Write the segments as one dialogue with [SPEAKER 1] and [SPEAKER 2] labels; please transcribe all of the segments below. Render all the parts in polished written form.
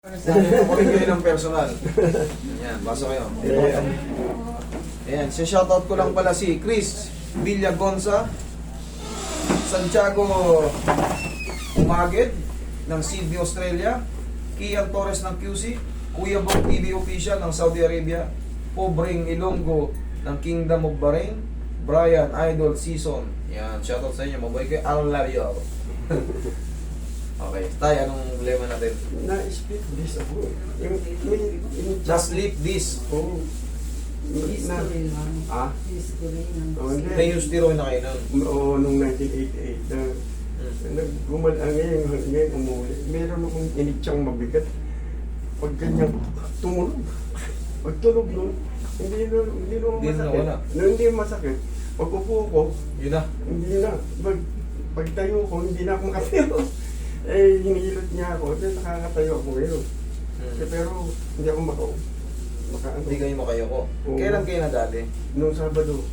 [SPEAKER 1] Kukunin kayo ng personal. Ayan, basa kayo. Ayan, shoutout ko lang pala si Chris Villagonza, Santiago Umaged ng Sydney, Australia, Kian Torres ng QC, Kuya Bong TV Official ng Saudi Arabia, Pobreng Ilonggo ng Kingdom of Bahrain, Brian Idol Season. Yan, shoutout sa inyo. Mabuhay kayo. I love you. Okay, tayo, anong problema natin?
[SPEAKER 2] Na-split disc ako.
[SPEAKER 1] Just sleep this.
[SPEAKER 2] Oo. Ah? Oo, hindi.
[SPEAKER 1] May yung steroid na kayo nun.
[SPEAKER 2] Oo, nung 1988 na gumalang ngayon umuwi. Meron akong initsang mabigat. Pag ganyan, tumulog. Pag tulog nun, hindi
[SPEAKER 1] Hindi na
[SPEAKER 2] masakit.
[SPEAKER 1] wala.
[SPEAKER 2] Hindi masakit. Pag upo ko,
[SPEAKER 1] Yun na.
[SPEAKER 2] hindi na. Pag tayo ko, hindi na ako makatayo. Eh, hinihilot niya ako. Then nakakatayo ako ngayon. Pero hindi ako
[SPEAKER 1] Hindi kayo makayoko.
[SPEAKER 2] Oo.
[SPEAKER 1] Kailan kayo nadali?
[SPEAKER 2] Nung Sabado,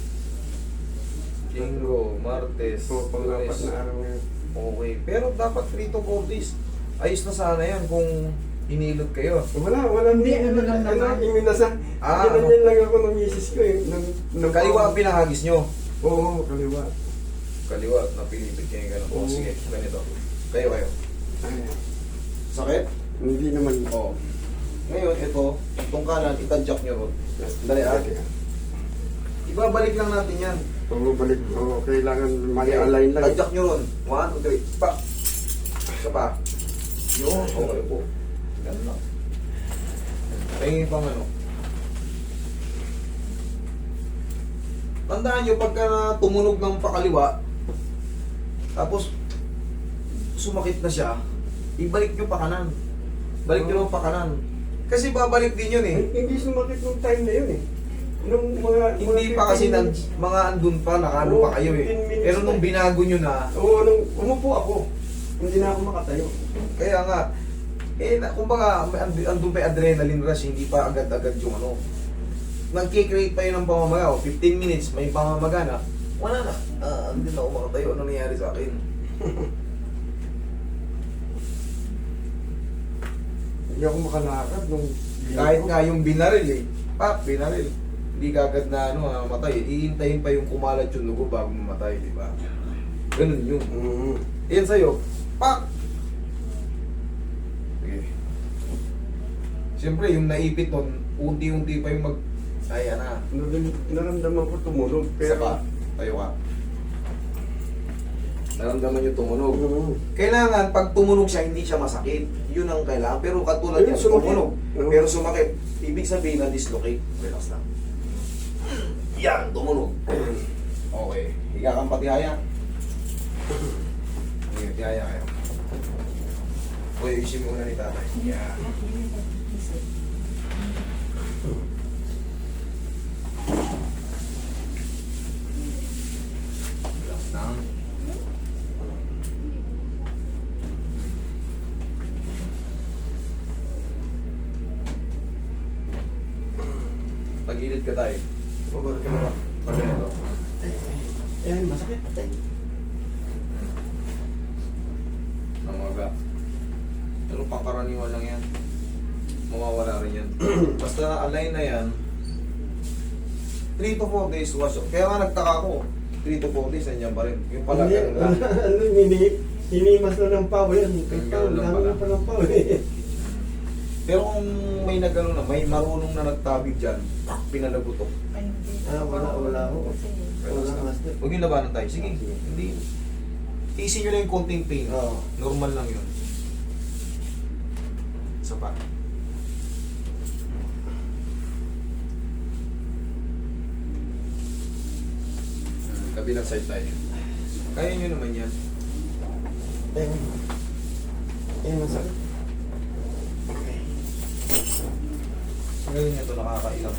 [SPEAKER 1] Linggo, Martes,
[SPEAKER 2] pang-apat
[SPEAKER 1] Lunes.
[SPEAKER 2] na araw ngayon.
[SPEAKER 1] Okay. Pero dapat 3 to 4 days. Ayos na sana yan kung hinilot kayo.
[SPEAKER 2] Wala.
[SPEAKER 3] Hindi, ano lang naman.
[SPEAKER 2] Iminasan.
[SPEAKER 1] Ah,
[SPEAKER 2] Ginanyan lang ako ng misis ko eh.
[SPEAKER 1] Kaliwa ang pinahagis nyo.
[SPEAKER 2] Oo, kaliwa.
[SPEAKER 1] Kaliwa, napilipit kayo gano'n. O
[SPEAKER 2] Oo.
[SPEAKER 1] sige, ganito. Kayo.
[SPEAKER 2] Ay,
[SPEAKER 1] Sakit?
[SPEAKER 2] hindi naman.
[SPEAKER 1] Oo. Ngayon, ito, itong kanan, itadjak nyo ron. Dali,
[SPEAKER 2] Okay.
[SPEAKER 1] Ibabalik lang natin yan.
[SPEAKER 2] Oo, balik. Oo, kailangan mag-align lang.
[SPEAKER 1] Tadjak nyo ron. 1, 2, 3. Pa! Isa pa. Yun, okay po. Ganun lang. Tingin pang ano. Tandaan nyo, pagka tumunog ng pakaliwa, tapos sumakit na siya, ibalik nyo pa kanan. Balik nyo lang pa kanan. Kasi babalik din yun eh.
[SPEAKER 2] Hindi sumakit nung time na yun eh. Nung
[SPEAKER 1] Hindi pa kasi mga andun pa, nakano pa kayo eh.
[SPEAKER 2] 15 minutes
[SPEAKER 1] Pero nung
[SPEAKER 2] na.
[SPEAKER 1] binago nyo na,
[SPEAKER 2] Oo, nung umupo ako, hindi na ako makatayo.
[SPEAKER 1] kaya nga, kumbaga, andun pa yung adrenaline rush, hindi pa agad-agad yung ano. Nagkikreate pa yun ng pamamaga, 15 minutes, may pamamaga na, wala na. Hindi na ako makatayo, ano nangyari sa akin?
[SPEAKER 2] Hindi ako makalakad nung...
[SPEAKER 1] Kahit nga yung binaril eh, binaril. Hindi kagad na matay. Iintayin pa yung kumalat yung lugo bago mamatay, di ba? Ganun yun. Yan sa'yo, pak! Sige. Siyempre, yung naipit nun, unti-unti pa yung ayan na.
[SPEAKER 2] Naramdaman ko tumunog,
[SPEAKER 1] Isa
[SPEAKER 2] pero...
[SPEAKER 1] pa, tayo ka. Naramdaman yung tumunog.
[SPEAKER 2] Oo.
[SPEAKER 1] Kailangan, pag tumunog siya, hindi siya masakit. Yun ang kailangan. Pero katulad
[SPEAKER 2] Ayun,
[SPEAKER 1] yan,
[SPEAKER 2] sumakit.
[SPEAKER 1] tumunog.
[SPEAKER 2] Oo.
[SPEAKER 1] Pero sumakit. Ibig sabihin na dislocate. Relax lang. Yan, tumunog. Okay. Higa kang patihaya. Higa, tihaya kayo. Uy, isim muna ni tatay. Yan. Relax lang. Pagilid ka tayo. Over ka na ba? Pag ganito.
[SPEAKER 2] Eh, masakit.
[SPEAKER 1] Namaga. Pero pangkaraniwan lang yan. Mawawala rin yan. Basta align na yan, 3 to 4 days wash off. Kaya nga nagtaka ko, 3 to 4 days, nandiyan pa rin. Yung pala ganun lang.
[SPEAKER 2] Hinimas na ng pao yan.
[SPEAKER 1] Ganun lang pala.
[SPEAKER 2] Dami pa ng pao eh.
[SPEAKER 1] Pero kung may nagano na, may marunong na nagtabig dyan, pinalabutok.
[SPEAKER 2] Wala ako. Wala ka master.
[SPEAKER 1] Huwag yung labanan tayo. Sige, hindi. Tiisin nyo lang yung konting pain.
[SPEAKER 2] Oo.
[SPEAKER 1] Normal lang yun. Isa pa. Kabilang side tayo. Kaya nyo naman yan.
[SPEAKER 2] Masakit.
[SPEAKER 1] Ngayon nyo ito nakakailang.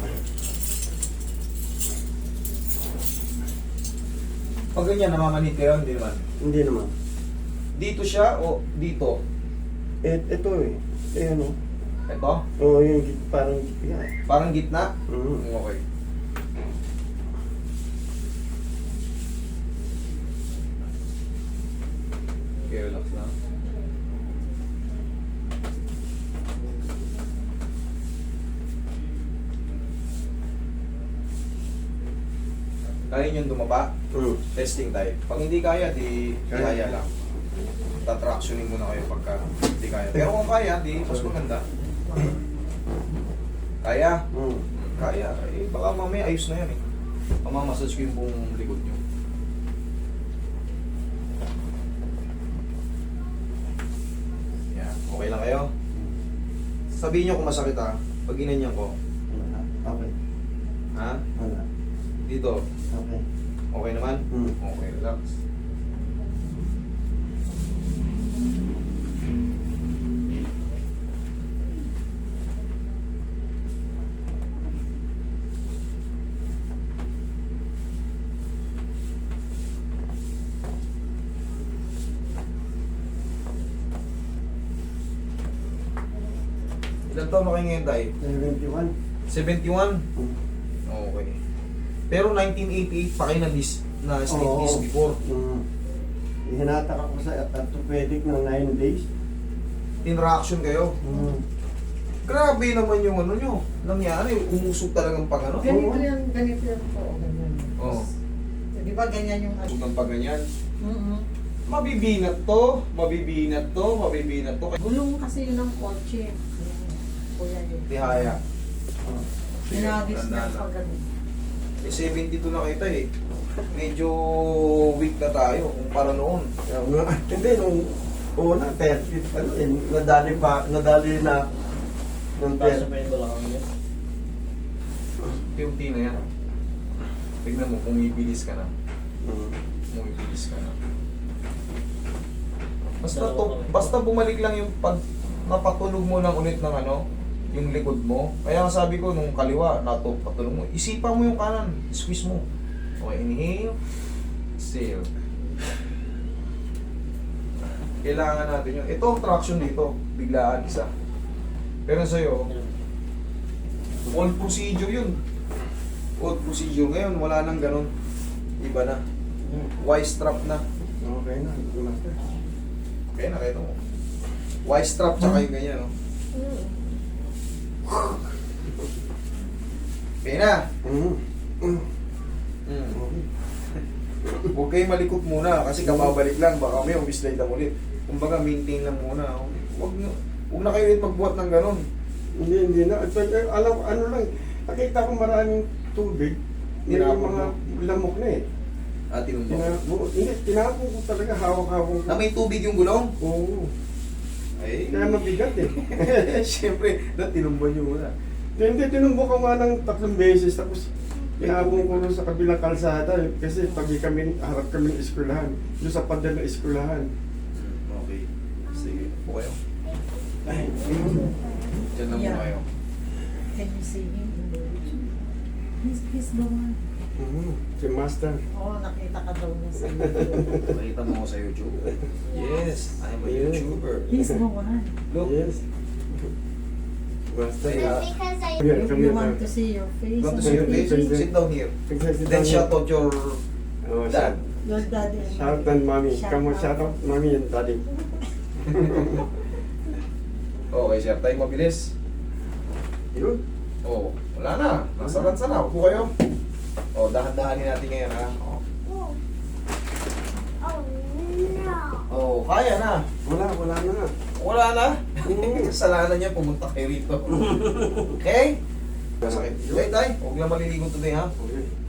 [SPEAKER 1] Pag ganyan, namamanit kayo, hindi naman.
[SPEAKER 2] Hindi naman.
[SPEAKER 1] Dito siya o dito?
[SPEAKER 2] Ito eh. Ano?
[SPEAKER 1] Ito?
[SPEAKER 2] Oo, yung parang gitna.
[SPEAKER 1] Parang gitna?
[SPEAKER 2] Mhm.
[SPEAKER 1] Okay. Okay, relax lang. Kaya nyo dumaba,
[SPEAKER 2] Mm.
[SPEAKER 1] testing tayo. Pag hindi kaya, di
[SPEAKER 2] Kaya.
[SPEAKER 1] kaya lang. Tatractioning muna kayo pagka hindi kaya. Pero kung kaya, di mas maganda. Kaya?
[SPEAKER 2] Mm.
[SPEAKER 1] Kaya. Eh, baka mamaya ayos na yan eh. Pamamassage ko yung buong likod nyo. Yan. Okay lang kayo? Sabihin nyo kung masakit ha. Pag ginanyan ko.
[SPEAKER 2] Wala. Okay.
[SPEAKER 1] Ha?
[SPEAKER 2] Wala.
[SPEAKER 1] Dito.
[SPEAKER 2] Okay.
[SPEAKER 1] Okay naman?
[SPEAKER 2] Mm.
[SPEAKER 1] Okay, relax. Ilan taon na kayo ngayon tayo?
[SPEAKER 2] 71.
[SPEAKER 1] 71?
[SPEAKER 2] Mm.
[SPEAKER 1] Okay. Pero 1988 pa kayo na slip
[SPEAKER 2] Oo.
[SPEAKER 1] disc before.
[SPEAKER 2] Mm. Hinatak ako sa orthopedic ng 9 days.
[SPEAKER 1] In-reaction kayo.
[SPEAKER 2] Mm.
[SPEAKER 1] Grabe naman yung ano nyo. Nangyari, umusog talagang pag ano.
[SPEAKER 3] Ganito yan po. Ganyan.
[SPEAKER 1] Oo.
[SPEAKER 3] Di ba ganyan yung
[SPEAKER 1] Usog ng pag ganyan.
[SPEAKER 3] Mm-hmm.
[SPEAKER 1] Mabibinat to, mabibinat to, mabibinat to.
[SPEAKER 3] Gulong kasi yun ng kotse. Kuya yun.
[SPEAKER 1] Tihaya.
[SPEAKER 3] Hinagis
[SPEAKER 1] tandaan
[SPEAKER 3] niya
[SPEAKER 1] lang.
[SPEAKER 3] pag ganun.
[SPEAKER 1] Eh, 72 na kita eh. Medyo weak na tayo kumpara noon.
[SPEAKER 2] Kaya nga, hindi, nung una, 30, ano eh, nadali na ng 30.
[SPEAKER 1] Unti na yan. Tignan mo, pumibilis ka na.
[SPEAKER 2] Mm.
[SPEAKER 1] Pumibilis ka na. Basta bumalik lang yung pag napatulog mo lang ulit ng ano, yung likod mo. Kaya nga sabi ko nung kaliwa, patulog mo. Isipan mo yung kanan, squeeze mo. Okay, inhale, exhale. Kailangan natin yun. Ito ang traction dito, biglaan isa. Pero sa'yo, old procedure yun. Old procedure ngayon, wala nang ganun. Iba na. Y-strap na.
[SPEAKER 2] Okay na, master.
[SPEAKER 1] Kaya nakita mo. Y-strap tsaka yung ganyan, no? Kaya na.
[SPEAKER 2] Mm. Mm.
[SPEAKER 1] Mm.
[SPEAKER 2] Okay.
[SPEAKER 1] Huwag kayong malikot muna kasi kababalik lang. Baka may umislide lang ulit. Kumbaga, maintain lang muna. Huwag na kayo ulit magbuhat ng ganun.
[SPEAKER 2] Hindi na. Alam, ano lang, nakita ko maraming tubig. May
[SPEAKER 1] Tinapon
[SPEAKER 2] mga lamok na eh.
[SPEAKER 1] Tinumbo.
[SPEAKER 2] Hindi, tinapon ko talaga, hawak-hawak ko.
[SPEAKER 1] Na may tubig yung gulong?
[SPEAKER 2] Oo.
[SPEAKER 1] Ay,
[SPEAKER 2] Kaya mabigat eh.
[SPEAKER 1] siyempre, tinumbo nyo muna.
[SPEAKER 2] Hindi, tinumbo ko nga ng 3 beses. Tapos, tinapon ko rin sa kabilang kalsada. Kasi pag kami, harap kami ng eskwelahan. Doon sa pader ng eskwelahan.
[SPEAKER 1] Okay. Sige. Po kayo.
[SPEAKER 2] Ay,
[SPEAKER 1] Diyan na muna
[SPEAKER 3] Yeah.
[SPEAKER 1] kayo.
[SPEAKER 3] Can you see him? He's the one.
[SPEAKER 2] si Master.
[SPEAKER 3] Oo, nakita ka daw niya sa YouTube.
[SPEAKER 1] Nakita mo ako sa YouTube. Yes, I'm a
[SPEAKER 2] Yeah.
[SPEAKER 1] YouTuber.
[SPEAKER 3] He's the one.
[SPEAKER 1] Look.
[SPEAKER 2] Yes. Master.
[SPEAKER 1] Yeah.
[SPEAKER 4] Because I
[SPEAKER 2] Here,
[SPEAKER 3] If
[SPEAKER 2] come
[SPEAKER 3] you
[SPEAKER 2] here.
[SPEAKER 3] want to see your face,
[SPEAKER 1] Want to
[SPEAKER 3] and
[SPEAKER 1] see your
[SPEAKER 3] your
[SPEAKER 1] face?
[SPEAKER 3] baby,
[SPEAKER 1] Sit down here.
[SPEAKER 2] Sit
[SPEAKER 1] Then
[SPEAKER 2] down
[SPEAKER 1] shout
[SPEAKER 2] here.
[SPEAKER 1] out your
[SPEAKER 2] Oh,
[SPEAKER 1] dad.
[SPEAKER 3] your daddy and
[SPEAKER 2] Shout out mommy.
[SPEAKER 3] Shout
[SPEAKER 2] Come on,
[SPEAKER 3] out.
[SPEAKER 2] shout out mommy and daddy.
[SPEAKER 1] Okay, sir. Tayo mabilis.
[SPEAKER 2] Yun.
[SPEAKER 1] Oh, wala na. Nasa lansa na. Upo kayo. Oh, dahan-dahanin natin ngayon, ha? Oh.
[SPEAKER 4] oh no.
[SPEAKER 1] Oh, kaya na.
[SPEAKER 2] Wala na nga.
[SPEAKER 1] Wala na.
[SPEAKER 2] Mm.
[SPEAKER 1] Kasalanan niya, pumunta kayo rito. Okay? Masakit. Okay, tay. Huwag lang maliligo today, ha?
[SPEAKER 2] Okay.